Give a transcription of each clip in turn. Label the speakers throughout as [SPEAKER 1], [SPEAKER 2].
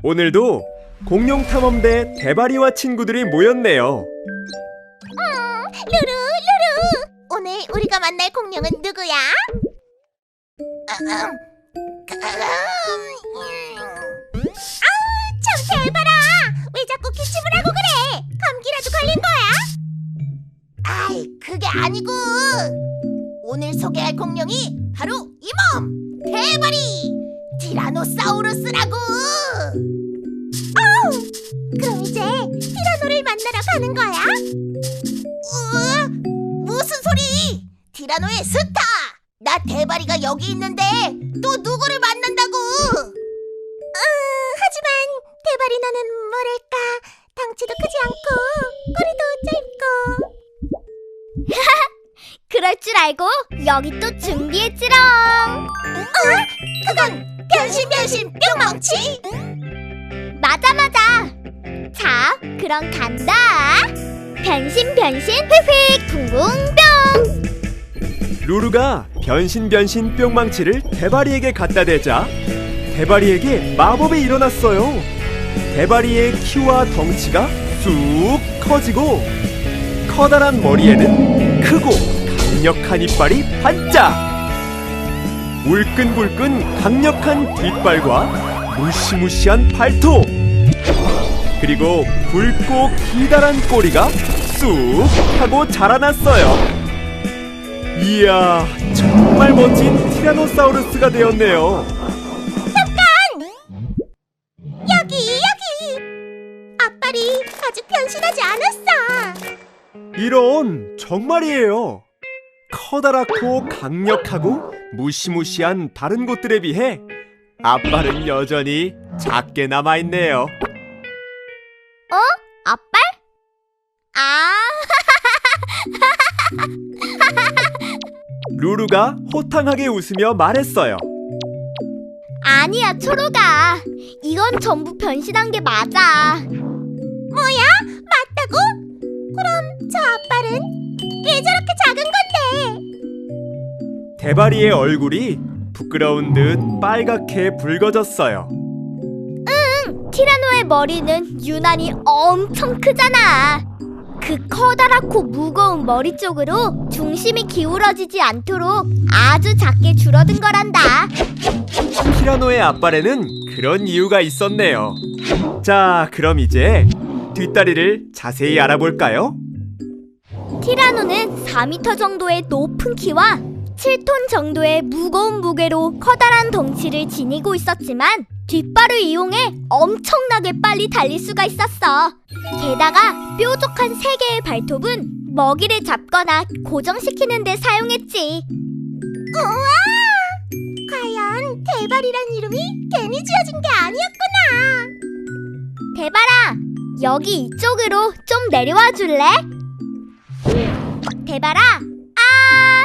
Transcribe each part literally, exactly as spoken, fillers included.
[SPEAKER 1] 오늘도 공룡탐험대 대바리와 친구들이 모였네요.
[SPEAKER 2] 음, 루루, 루루. 오늘 우리가 만날 공룡은 누구야? 아, 참 대바라. 왜 자꾸 기침을 하고 그래? 감기라도 걸린 거야? 아이, 그게 아니고 오늘 소개할 공룡이 바로 이 몸! 대바리! 티라노사우루스라고! 어우! 그럼 이제 티라노를 만나러 가는 거야? 우와! 무슨 소리! 티라노의 스타! 나 대바리가 여기 있는데 또 누구를 만난다고! 음, 하지만 대바리 너는 뭐랄까 덩치도 크지 않고 꼬리도 짧고
[SPEAKER 3] 그럴 줄 알고 여기 또 준비했지롱.
[SPEAKER 2] 어? 그건 변신 변신 뿅망치?
[SPEAKER 3] 맞아 맞아. 자, 그럼 간다. 변신 변신 휙휙 붕붕뿅.
[SPEAKER 1] 루루가 변신 변신 뿅망치를 대바리에게 갖다 대자 대바리에게 마법이 일어났어요. 대바리의 키와 덩치가 쑥 커지고 커다란 머리에는 크고 강력한 이빨이 반짝! 울끈불끈 강력한 뒷발과 무시무시한 발톱! 그리고 굵고 기다란 꼬리가 쑥 하고 자라났어요. 이야, 정말 멋진 티라노사우루스가 되었네요.
[SPEAKER 2] 여기 여기! 앞발이 아직 변신하지 않았어.
[SPEAKER 1] 이런, 정말이에요. 커다랗고 강력하고 무시무시한 다른 곳들에 비해 앞발은 여전히 작게 남아있네요.
[SPEAKER 3] 어? 앞발? 아.
[SPEAKER 1] 루루가 호탕하게 웃으며 말했어요.
[SPEAKER 3] 아니야, 초록아. 이건 전부 변신한 게 맞아.
[SPEAKER 2] 뭐야? 맞다고? 그럼 저 앞발은 왜 저렇게 작은 건데?
[SPEAKER 1] 대바리의 얼굴이 부끄러운 듯 빨갛게 붉어졌어요.
[SPEAKER 3] 티라노의 머리는 유난히 엄청 크잖아. 그 커다랗고 무거운 머리 쪽으로 중심이 기울어지지 않도록 아주 작게 줄어든 거란다.
[SPEAKER 1] 티라노의 앞발에는 그런 이유가 있었네요. 자, 그럼 이제 뒷다리를 자세히 알아볼까요?
[SPEAKER 3] 티라노는 사 미터 정도의 높은 키와 칠 톤 정도의 무거운 무게로 커다란 덩치를 지니고 있었지만 뒷발을 이용해 엄청나게 빨리 달릴 수가 있었어. 게다가 뾰족한 세 개의 발톱은 먹이를 잡거나 고정시키는 데 사용했지.
[SPEAKER 2] 우와! 과연 대발이란 이름이 괜히 지어진 게 아니었구나.
[SPEAKER 3] 대바라, 여기 이쪽으로 좀 내려와 줄래? 대바라, 아!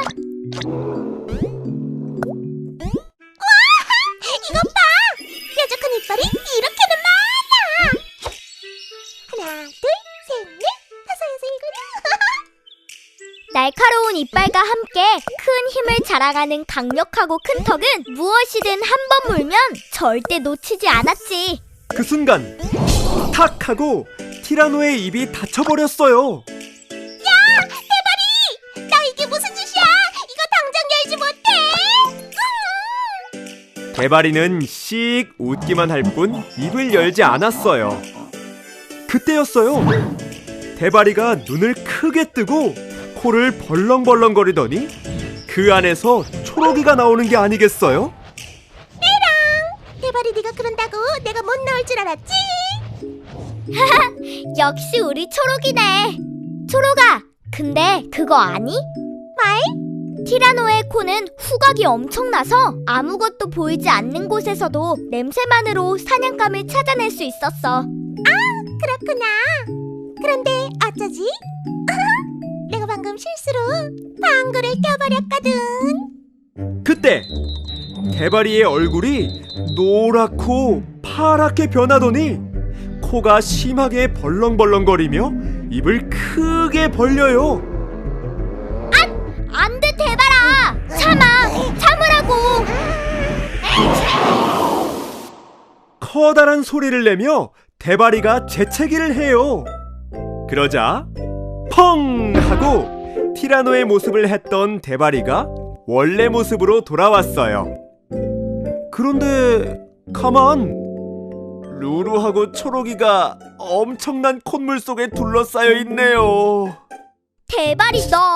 [SPEAKER 2] 이것 봐! 뾰족한 이빨이 이렇게는 많아! 하나, 둘, 셋, 넷, 다섯, 여섯, 일곱.
[SPEAKER 3] 날카로운 이빨과 함께 큰 힘을 자랑하는 강력하고 큰 턱은 무엇이든 한 번 물면 절대 놓치지 않았지.
[SPEAKER 1] 그 순간 탁 하고 티라노의 입이 닫혀버렸어요.
[SPEAKER 2] 야! 대발이! 너 이게 무슨 짓이야! 이거 당장 열지 못해!
[SPEAKER 1] 대바리는 씩 웃기만 할 뿐 입을 열지 않았어요. 그때였어요. 대바리가 눈을 크게 뜨고 코를 벌렁벌렁거리더니 그 안에서 초록이가 나오는 게 아니겠어요?
[SPEAKER 2] 대발이 네가 그런다고 내가 못 나올 줄 알았지?
[SPEAKER 3] 역시 우리 초록이네. 초록아, 근데 그거 아니?
[SPEAKER 2] 말?
[SPEAKER 3] 티라노의 코는 후각이 엄청나서 아무것도 보이지 않는 곳에서도 냄새만으로 사냥감을 찾아낼 수 있었어.
[SPEAKER 2] 그렇구나. 그런데 어쩌지? 내가 방금 실수로 방구를 껴버렸거든.
[SPEAKER 1] 그때 대바리의 얼굴이 노랗고 파랗게 변하더니 코가 심하게 벌렁벌렁거리며 입을 크게 벌려요.
[SPEAKER 3] 안 돼, 대바라! 참아! 참으라고!
[SPEAKER 1] 커다란 소리를 내며 대바리가 재채기를 해요. 그러자 펑 하고 티라노의 모습을 했던 대바리가 원래 모습으로 돌아왔어요. 그런데 가만, 루루하고 초록이가 엄청난 콧물 속에 둘러싸여 있네요.
[SPEAKER 3] 대바리 너?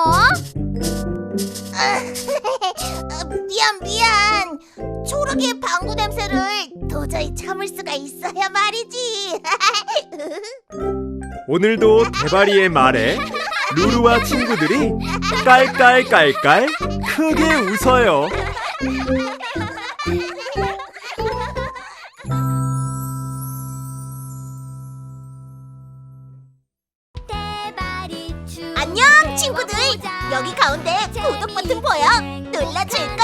[SPEAKER 2] 미안 미안. 초록이의 방구 냄새를 도저히 참을 수가 있어야 말이지.
[SPEAKER 1] 오늘도 대바리의 말에 루루와 친구들이 깔깔깔깔 크게 웃어요.
[SPEAKER 3] 대바리
[SPEAKER 2] 안녕 친구들. 여기 가운데 구독 버튼 보여? 눌러줄까?